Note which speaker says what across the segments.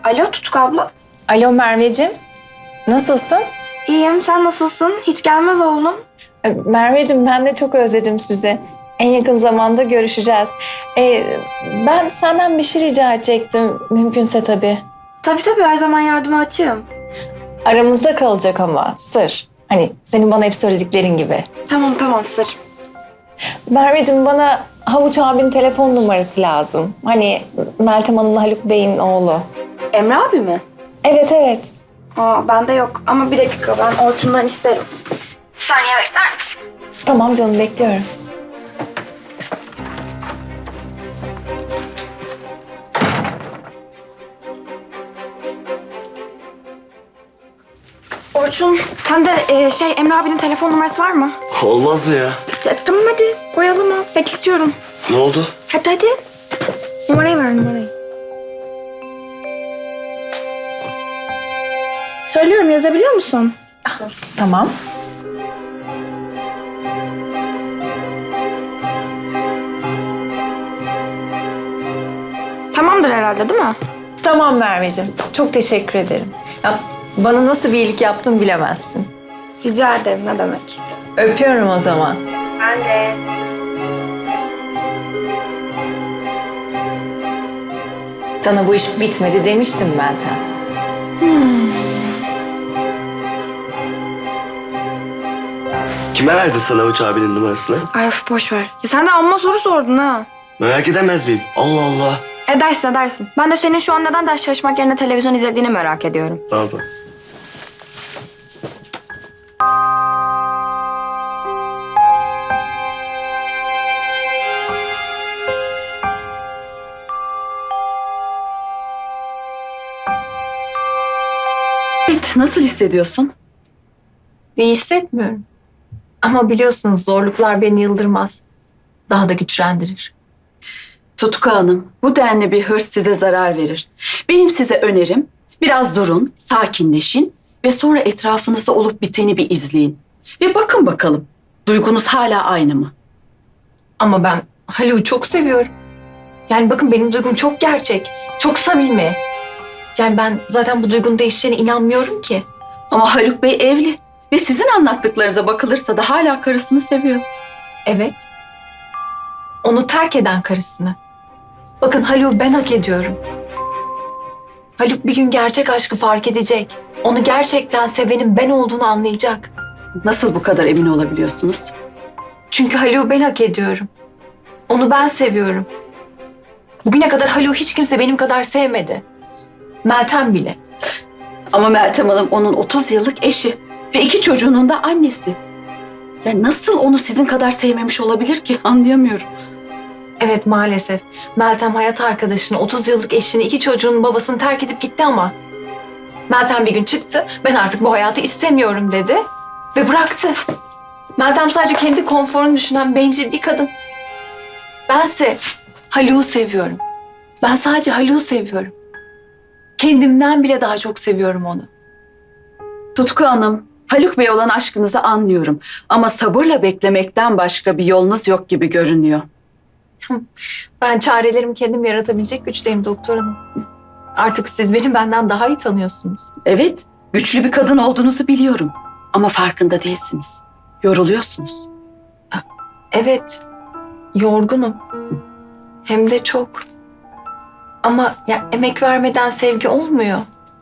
Speaker 1: Alo Tutku abla.
Speaker 2: Alo Merveciğim, nasılsın?
Speaker 1: İyiyim, sen nasılsın? Hiç gelmez oldun.
Speaker 2: Merveciğim ben de çok özledim sizi. En yakın zamanda görüşeceğiz. Ben senden bir şey rica edecektim, mümkünse tabii.
Speaker 1: Tabii her zaman yardıma açığım.
Speaker 2: Aramızda kalacak ama, sır. Hani senin bana hep söylediklerin gibi.
Speaker 1: Tamam sır.
Speaker 2: Merveciğim bana Havuç abinin telefon numarası lazım. Hani Meltem Hanım'la Haluk Bey'in oğlu.
Speaker 1: Emre abi mi?
Speaker 2: Evet.
Speaker 1: Bende yok ama bir dakika ben Orçun'dan isterim. Bir saniye bekler misin?
Speaker 2: Tamam canım, bekliyorum.
Speaker 1: Orçun, sende Emre abinin telefon numarası var mı?
Speaker 3: Olmaz mı ya?
Speaker 1: Tamam hadi koyalım ha. Bekletiyorum.
Speaker 3: Ne oldu?
Speaker 1: Hadi. Numarayı ver numarayı. Söylüyorum, yazabiliyor musun?
Speaker 2: Tamam.
Speaker 1: Tamamdır herhalde değil mi?
Speaker 2: Tamam Merveciğim, çok teşekkür ederim. Ya, bana nasıl bir iyilik yaptın bilemezsin.
Speaker 1: Rica ederim, ne demek.
Speaker 2: Öpüyorum o zaman.
Speaker 1: Ben de.
Speaker 2: Sana bu iş bitmedi demiştim Meltem.
Speaker 3: Kime verdi sana Havuç abinin numarasını?
Speaker 1: Ay of boş ver. Ya sen de amma soru sordun ha.
Speaker 3: Merak edemez miyim? Allah Allah.
Speaker 1: Edersin. Ben de senin şu an neden ders çalışmak yerine televizyon izlediğini merak ediyorum.
Speaker 3: Tamam.
Speaker 4: Evet, nasıl hissediyorsun?
Speaker 2: İyi hissetmiyorum. Ama biliyorsunuz zorluklar beni yıldırmaz. Daha da güçlendirir.
Speaker 4: Tutku Hanım, bu denli bir hırs size zarar verir. Benim size önerim, biraz durun, sakinleşin ve sonra etrafınızda olup biteni bir izleyin. Ve bakın bakalım, duygunuz hala aynı mı?
Speaker 2: Ama ben Haluk'u çok seviyorum. Yani bakın benim duygum çok gerçek, çok samimi. Yani ben zaten bu duygunun değişeceğine inanmıyorum ki.
Speaker 4: Ama Haluk Bey evli ve sizin anlattıklarınıza bakılırsa da hala karısını seviyor.
Speaker 2: Evet. Onu terk eden karısını. Bakın Haluk'u ben hak ediyorum. Haluk bir gün gerçek aşkı fark edecek. Onu gerçekten sevenin ben olduğunu anlayacak.
Speaker 4: Nasıl bu kadar emin olabiliyorsunuz?
Speaker 2: Çünkü Haluk'u ben hak ediyorum. Onu ben seviyorum. Bugüne kadar Haluk'u hiç kimse benim kadar sevmedi. Meltem bile.
Speaker 4: Ama Meltem Hanım onun 30 yıllık eşi ve 2 çocuğunun da annesi. Ya nasıl onu sizin kadar sevmemiş olabilir ki? Anlayamıyorum.
Speaker 2: Evet maalesef. Meltem hayat arkadaşını, 30 yıllık eşini, 2 çocuğunun babasını terk edip gitti ama. Meltem bir gün çıktı. Ben artık bu hayatı istemiyorum dedi. Ve bıraktı. Meltem sadece kendi konforunu düşünen bencil bir kadın. Bense Haluk'u seviyorum. Ben sadece Haluk'u seviyorum. Kendimden bile daha çok seviyorum onu.
Speaker 4: Tutku Hanım, Haluk Bey olan aşkınızı anlıyorum. Ama sabırla beklemekten başka bir yolunuz yok gibi görünüyor.
Speaker 2: Ben çarelerimi kendim yaratabilecek güçteyim doktor hanım. Artık siz beni benden daha iyi tanıyorsunuz.
Speaker 4: Evet, güçlü bir kadın olduğunuzu biliyorum. Ama farkında değilsiniz. Yoruluyorsunuz.
Speaker 2: Evet, yorgunum. Hem de çok. Ama ya emek vermeden sevgi olmuyor.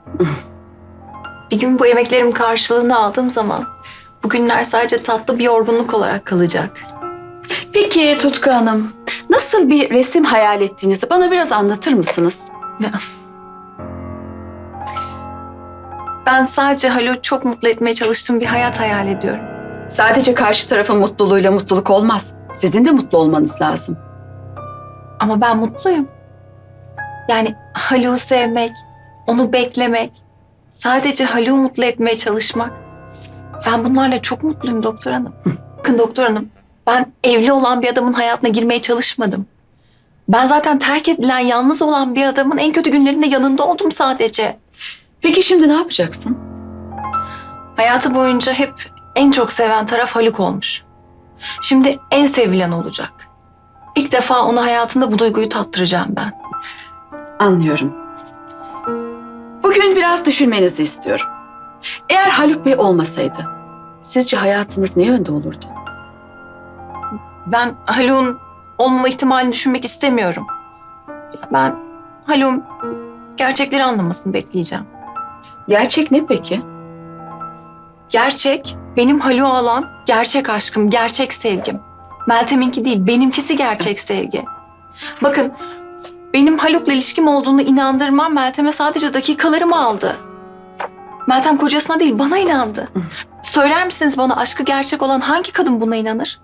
Speaker 2: Bir gün bu emeklerimin karşılığını aldığım zaman bugünler sadece tatlı bir yorgunluk olarak kalacak.
Speaker 4: Peki Tutku Hanım, nasıl bir resim hayal ettiğinizi bana biraz anlatır mısınız?
Speaker 2: Ben sadece Haluk'u çok mutlu etmeye çalıştığım bir hayat hayal ediyorum.
Speaker 4: Sadece karşı tarafın mutluluğuyla mutluluk olmaz. Sizin de mutlu olmanız lazım.
Speaker 2: Ama ben mutluyum. Yani Haluk'u sevmek, onu beklemek, sadece Haluk'u mutlu etmeye çalışmak. Ben bunlarla çok mutluyum doktor hanım. Bakın doktor hanım, ben evli olan bir adamın hayatına girmeye çalışmadım. Ben zaten terk edilen, yalnız olan bir adamın en kötü günlerinde yanında oldum sadece.
Speaker 4: Peki şimdi ne yapacaksın?
Speaker 2: Hayatı boyunca hep en çok seven taraf Haluk olmuş. Şimdi en sevilen olacak. İlk defa ona hayatında bu duyguyu tattıracağım ben.
Speaker 4: Anlıyorum. Bugün biraz düşünmenizi istiyorum. Eğer Haluk Bey olmasaydı, sizce hayatınız ne yönde olurdu?
Speaker 2: Ben Haluk'un olmama ihtimalini düşünmek istemiyorum. Ben Haluk'un gerçekleri anlamasını bekleyeceğim.
Speaker 4: Gerçek ne peki?
Speaker 2: Gerçek, benim Haluk'a olan gerçek aşkım, gerçek sevgim. Meltem'inki değil, benimkisi gerçek sevgi. Bakın, benim Haluk'la ilişkim olduğunu inandırmam Meltem'e sadece dakikalarımı aldı. Meltem kocasına değil, bana inandı. Söyler misiniz bana aşkı gerçek olan hangi kadın buna inanır?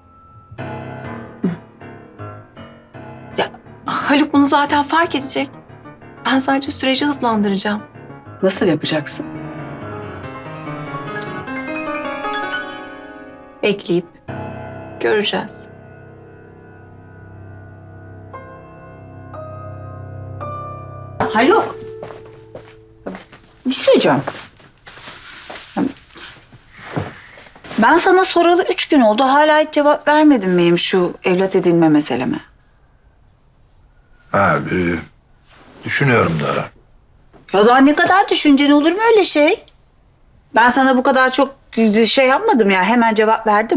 Speaker 2: Ya, Haluk bunu zaten fark edecek. Ben sadece süreci hızlandıracağım.
Speaker 4: Nasıl yapacaksın?
Speaker 2: Bekleyip göreceğiz.
Speaker 5: Haluk. Bir şey söyleyeceğim. Ben sana soralı 3 gün oldu. Hala hiç cevap vermedin benim şu evlat edinme meseleme.
Speaker 6: Ha, düşünüyorum da.
Speaker 5: Ya daha ne kadar düşüncen olur mu öyle şey? Ben sana bu kadar çok şey yapmadım ya. Hemen cevap verdim.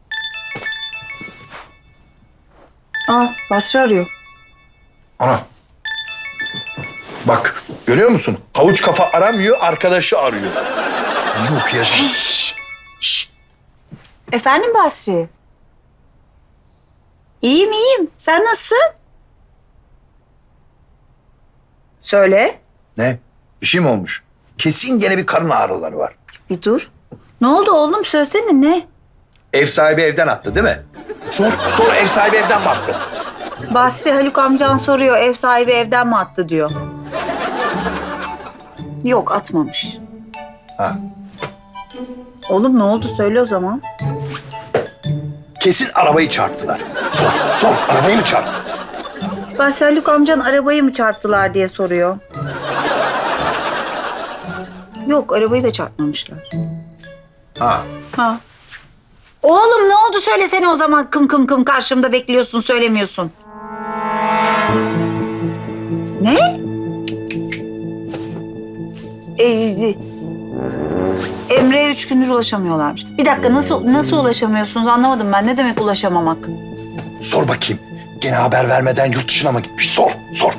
Speaker 5: Aa, Basri arıyor.
Speaker 6: Ana. Bak, görüyor musun? Havuç kafa aramıyor, arkadaşı arıyor. İyi okuyasın.
Speaker 5: Efendim Basri? İyiyim iyiyim. Sen nasılsın? Söyle.
Speaker 6: Ne? Bir şey mi olmuş? Kesin gene bir karın ağrıları var.
Speaker 5: Bir dur. Ne oldu oğlum? Söylesene ne?
Speaker 6: Ev sahibi evden attı değil mi? Sor ev sahibi evden mi attı?
Speaker 5: Basri Haluk amcan soruyor ev sahibi evden mi attı diyor. Yok atmamış.
Speaker 6: Ha.
Speaker 5: Oğlum ne oldu söyle o zaman.
Speaker 6: Kesin arabayı çarptılar. Sor arabayı mı çarptı?
Speaker 5: Basri Haluk amcan arabayı mı çarptılar diye soruyor. Yok arabayı da çarpmamışlar.
Speaker 6: Ha.
Speaker 5: Ha. Oğlum ne oldu söylesene o zaman kım kım kım karşımda bekliyorsun söylemiyorsun. Ne? Emre'ye 3 gündür ulaşamıyorlarmış. Bir dakika nasıl ulaşamıyorsunuz anlamadım ben. Ne demek ulaşamamak?
Speaker 6: Sor bakayım. Gene haber vermeden yurt dışına mı gitmiş? Sor.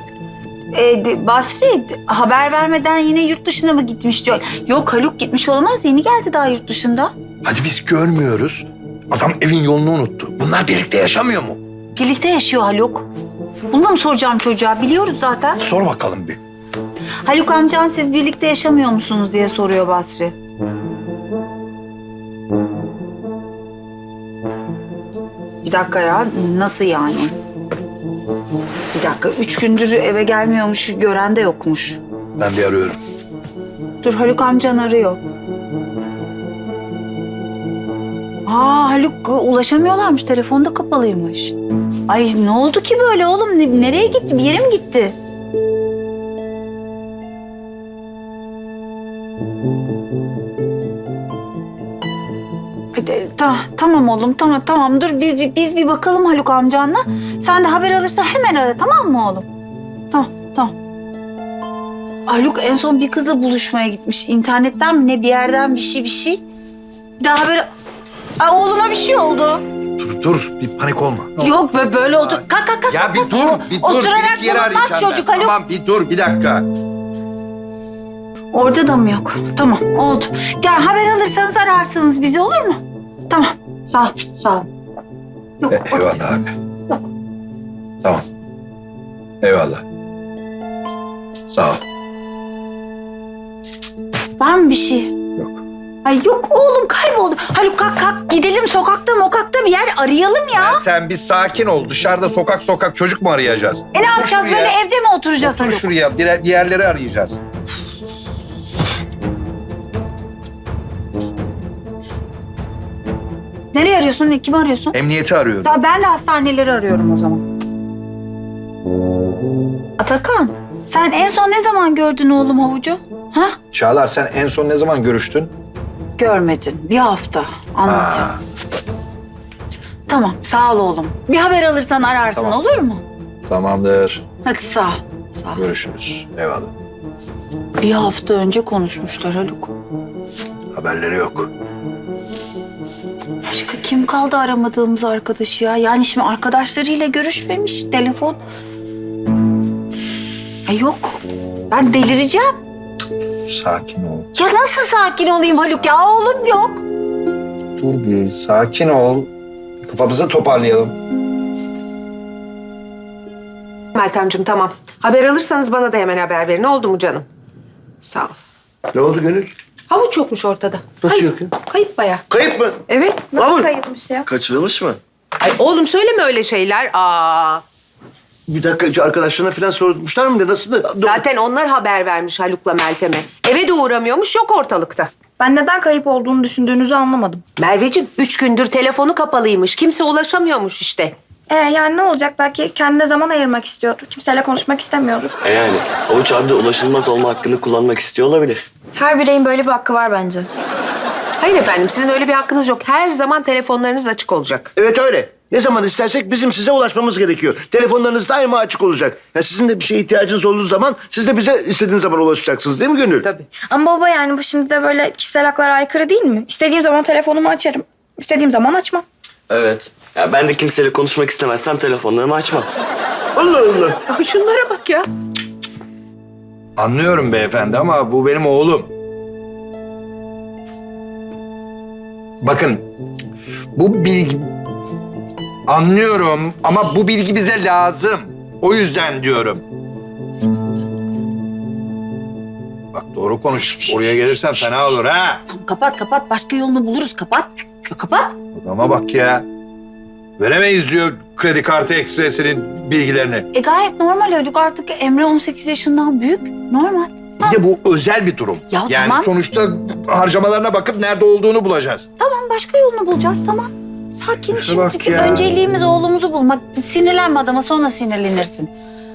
Speaker 5: Basri haber vermeden yine yurt dışına mı gitmiş diyor. Yok Haluk gitmiş olamaz yeni geldi daha yurt dışından.
Speaker 6: Hadi biz görmüyoruz. Adam evin yolunu unuttu. Bunlar birlikte yaşamıyor mu?
Speaker 5: Birlikte yaşıyor Haluk. Bunu da mı soracağım çocuğa biliyoruz zaten.
Speaker 6: Sor bakalım bir.
Speaker 5: Haluk amcan siz birlikte yaşamıyor musunuz diye soruyor Basri. Bir dakika ya nasıl yani? Bir dakika 3 gündür eve gelmiyormuş gören de yokmuş.
Speaker 6: Ben bir arıyorum.
Speaker 5: Dur Haluk amcan arıyor. Haluk ulaşamıyorlarmış telefonu da kapalıymış. Ay ne oldu ki böyle oğlum nereye gitti bir yere mi gitti? Hadi, tamam oğlum tamam dur biz bir bakalım Haluk amcanla. Sen de haber alırsan hemen ara tamam mı oğlum? Tamam. Haluk en son bir kızla buluşmaya gitmiş. İnternetten mi ne bir yerden bir şey. Bir daha haber... oğluma bir şey oldu.
Speaker 6: Dur bir panik olma.
Speaker 5: Yok böyle otur. Kalk.
Speaker 6: Ya bir dur.
Speaker 5: Oturarak
Speaker 6: Bir yere
Speaker 5: bulunmaz
Speaker 6: arayacağım
Speaker 5: çocuk
Speaker 6: ben.
Speaker 5: Haluk.
Speaker 6: Tamam bir dur bir dakika.
Speaker 5: Orada da mı yok? Tamam oldu. Gel haber alırsanız ararsınız bizi olur mu? Tamam sağ ol. Yok,
Speaker 6: Eyvallah abi. Tamam. Eyvallah. Sağ ol.
Speaker 5: Var mı bir şey?
Speaker 6: Yok.
Speaker 5: Ay yok oğlum kayboldu. Haluk kalk gidelim sokakta bir yer arayalım ya.
Speaker 6: Sen bir sakin ol. Dışarıda sokak çocuk mu arayacağız?
Speaker 5: Ne yapacağız
Speaker 6: şuraya.
Speaker 5: böyle evde mi oturacağız
Speaker 6: Otur
Speaker 5: Haluk?
Speaker 6: şuraya bir yerleri arayacağız.
Speaker 5: Nereye arıyorsun? Kimi arıyorsun?
Speaker 6: Emniyeti arıyorum.
Speaker 5: Ben de hastaneleri arıyorum o zaman. Atakan, sen en son ne zaman gördün oğlum havucu? Ha?
Speaker 6: Çağlar sen en son ne zaman görüştün?
Speaker 5: Görmedin. Bir hafta. Anlatacağım.
Speaker 6: Ha,
Speaker 5: Tamam, sağ ol oğlum. Bir haber alırsan ararsın
Speaker 6: Tamam.
Speaker 5: olur mu?
Speaker 6: tamamdır.
Speaker 5: Hadi sağ ol.
Speaker 6: Görüşürüz. Eyvallah.
Speaker 5: Bir hafta önce konuşmuşlar Haluk.
Speaker 6: Haberleri yok.
Speaker 5: Başka kim kaldı aramadığımız arkadaş ya? Yani şimdi arkadaşlarıyla görüşmemiş, telefon. Ay yok. Ben delireceğim.
Speaker 6: Sakin ol.
Speaker 5: Ya nasıl sakin olayım Haluk ya? Oğlum yok.
Speaker 6: Dur bir sakin ol. Kafamızı toparlayalım.
Speaker 7: Meltemciğim tamam. Haber alırsanız bana da hemen haber verin. Oldu mu canım? Sağ ol.
Speaker 3: Ne oldu Gönül?
Speaker 7: Havuç yokmuş ortada.
Speaker 3: Nasıl
Speaker 7: Kayıp.
Speaker 3: yok ya?
Speaker 7: Kayıp baya.
Speaker 3: Kayıp mı?
Speaker 7: Evet.
Speaker 1: Nasıl
Speaker 3: Mahmut.
Speaker 1: kayıpmış ya?
Speaker 3: Kaçırılmış mı?
Speaker 7: Ay oğlum söyleme öyle şeyler. Aa.
Speaker 3: Bir dakika arkadaşlarına falan sormuşlar mı? Nasıl da?
Speaker 7: Zaten onlar haber vermiş Haluk'la Meltem'e. Eve de uğramıyormuş, yok ortalıkta.
Speaker 1: Ben neden kayıp olduğunu düşündüğünüzü anlamadım.
Speaker 7: Merveciğim 3 gündür telefonu kapalıymış. Kimse ulaşamıyormuş işte.
Speaker 1: Yani ne olacak? Belki kendine zaman ayırmak istiyordur. Kimseyle konuşmak istemiyordur.
Speaker 3: Yani Havuç abi de ulaşılmaz olma hakkını kullanmak istiyor olabilir.
Speaker 1: Her bireyin böyle bir hakkı var bence.
Speaker 7: Hayır efendim, sizin öyle bir hakkınız yok. Her zaman telefonlarınız açık olacak.
Speaker 8: Evet öyle. Ne zaman istersek bizim size ulaşmamız gerekiyor. Telefonlarınız daima açık olacak. Ya sizin de bir şeye ihtiyacınız olduğu zaman siz de bize istediğiniz zaman ulaşacaksınız değil mi Gönül?
Speaker 7: Tabii.
Speaker 1: Ama baba yani bu şimdi de böyle kişisel haklara aykırı değil mi? İstediğim zaman telefonumu açarım. İstediğim zaman açmam.
Speaker 3: Evet. Ya ben de kimseyle konuşmak istemezsem telefonlarımı açmam.
Speaker 8: Allah Allah.
Speaker 7: Ay şunlara bak ya.
Speaker 6: Anlıyorum beyefendi ama bu benim oğlum. Bakın bu bilgi... Anlıyorum ama bu bilgi bize lazım. O yüzden diyorum. Bak doğru konuş. Oraya gelirsen fena olur ha.
Speaker 5: Tamam, kapat. Başka yolunu buluruz. Kapat. Ya kapat.
Speaker 6: Adama bak ya. Veremeyiz diyor kredi kartı ekstresinin bilgilerini.
Speaker 5: Gayet normal Haluk. Artık Emre 18 yaşından büyük. Normal.
Speaker 6: Bir de bu özel bir durum.
Speaker 5: Ya
Speaker 6: yani
Speaker 5: tamam.
Speaker 6: sonuçta harcamalarına bakıp nerede olduğunu bulacağız.
Speaker 5: Tamam başka yolunu bulacağız tamam. Sakin
Speaker 6: bak
Speaker 5: şimdiki
Speaker 6: ya.
Speaker 5: önceliğimiz oğlumuzu bulmak. Sinirlenme adama sonra sinirlenirsin.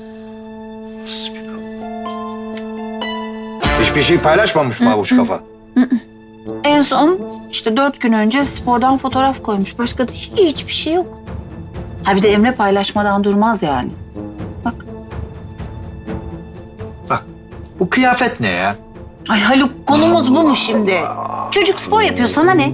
Speaker 6: Hiçbir şey paylaşmamış mı avuç kafa?
Speaker 5: En son işte 4 gün önce spordan fotoğraf koymuş. Başka da hiçbir şey yok. Ha bir de Emre paylaşmadan durmaz yani. Bak.
Speaker 6: Bak bu kıyafet ne ya?
Speaker 5: Ay Haluk konumuz bu mu şimdi? Çocuk spor yapıyor sana ne?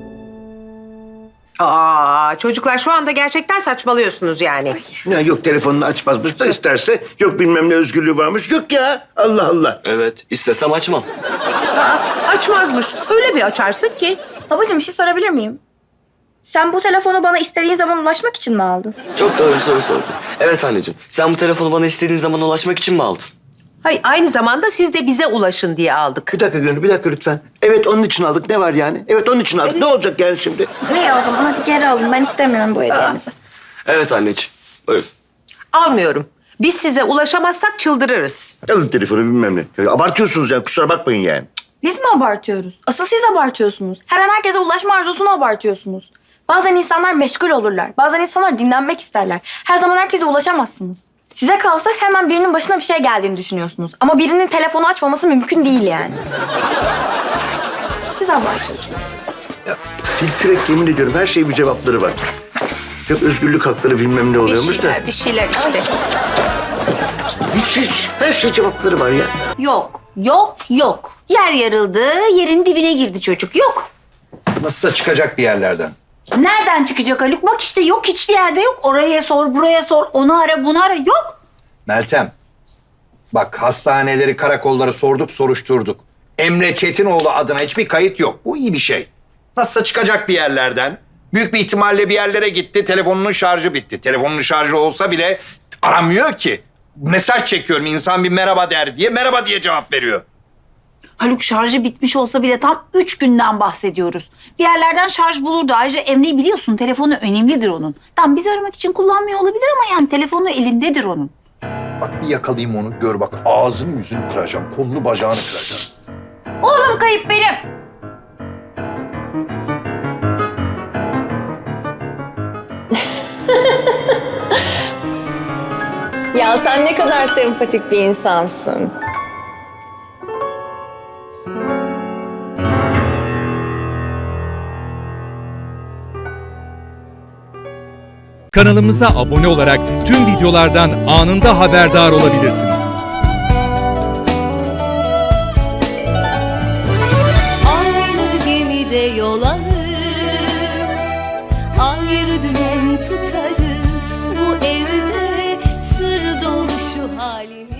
Speaker 7: Aa, çocuklar şu anda gerçekten saçmalıyorsunuz yani.
Speaker 8: Ya yok telefonunu açmazmış da isterse yok bilmem ne özgürlüğü varmış. Yok ya. Allah Allah.
Speaker 3: Evet. İstesem açmam.
Speaker 7: Açmazmış. Öyle bir açarsın ki.
Speaker 1: Babacığım bir şey sorabilir miyim? Sen bu telefonu bana istediğin zaman ulaşmak için mi aldın?
Speaker 3: Çok doğru bir soru sordun. Evet anneciğim. Sen bu telefonu bana istediğin zaman ulaşmak için mi aldın?
Speaker 7: Hayır, aynı zamanda siz de bize ulaşın diye aldık.
Speaker 8: Bir dakika Gönül bir dakika lütfen. Evet onun için aldık. Ne var yani? Evet onun için aldık. Ne olacak yani şimdi?
Speaker 1: İyi o zaman hadi geri alın. Ben istemiyorum bu hediyenizi.
Speaker 3: Evet anneciğim. Buyur.
Speaker 7: Almıyorum. Biz size ulaşamazsak çıldırırız.
Speaker 8: Alın telefonu bilmem ne. Ya, abartıyorsunuz ya kusura bakmayın yani.
Speaker 1: Biz mi abartıyoruz? Asıl siz abartıyorsunuz. Her an herkese ulaşma arzusunu abartıyorsunuz. Bazen insanlar meşgul olurlar. Bazen insanlar dinlenmek isterler. Her zaman herkese ulaşamazsınız. Size kalsa hemen birinin başına bir şey geldiğini düşünüyorsunuz. Ama birinin telefonu açmaması mümkün değil yani. Siz abartıyorsunuz.
Speaker 8: Tilkürek yemin ediyorum her şeyin bir cevapları var. Yok özgürlük hakları bilmem ne oluyormuş da.
Speaker 7: Bir şeyler işte.
Speaker 8: Hiç her şey cevapları var ya.
Speaker 5: Yok. Yer yarıldı, yerin dibine girdi çocuk. Yok.
Speaker 6: Nasılsa çıkacak bir yerlerden.
Speaker 5: Nereden çıkacak Haluk? Bak işte yok hiçbir yerde yok. Oraya sor, buraya sor, onu ara, bunu ara. Yok.
Speaker 6: Meltem, bak hastaneleri, karakolları sorduk, soruşturduk. Emre Çetinoğlu adına hiçbir kayıt yok. Bu iyi bir şey. Nasılsa çıkacak bir yerlerden. Büyük bir ihtimalle bir yerlere gitti, telefonunun şarjı bitti. Telefonunun şarjı olsa bile aramıyor ki. Mesaj çekiyorum, insan bir merhaba der diye, merhaba diye cevap veriyor.
Speaker 5: Haluk şarjı bitmiş olsa bile tam 3 günden bahsediyoruz. Bir yerlerden şarj bulurdu. Ayrıca Emre'yi biliyorsun telefonu önemlidir onun. Tamam bizi aramak için kullanmıyor olabilir ama yani telefonu elindedir onun.
Speaker 6: Bak bir yakalayayım onu, gör bak ağzını yüzünü kıracağım, kolunu bacağını kıracağım.
Speaker 5: Oğlum kayıp benim.
Speaker 2: Ya sen ne kadar sempatik bir insansın.
Speaker 9: Kanalımıza abone olarak tüm videolardan anında haberdar olabilirsiniz. birlikte yol alır. Ayrı dümen tutarız bu evde, sır dolu şu halimiz.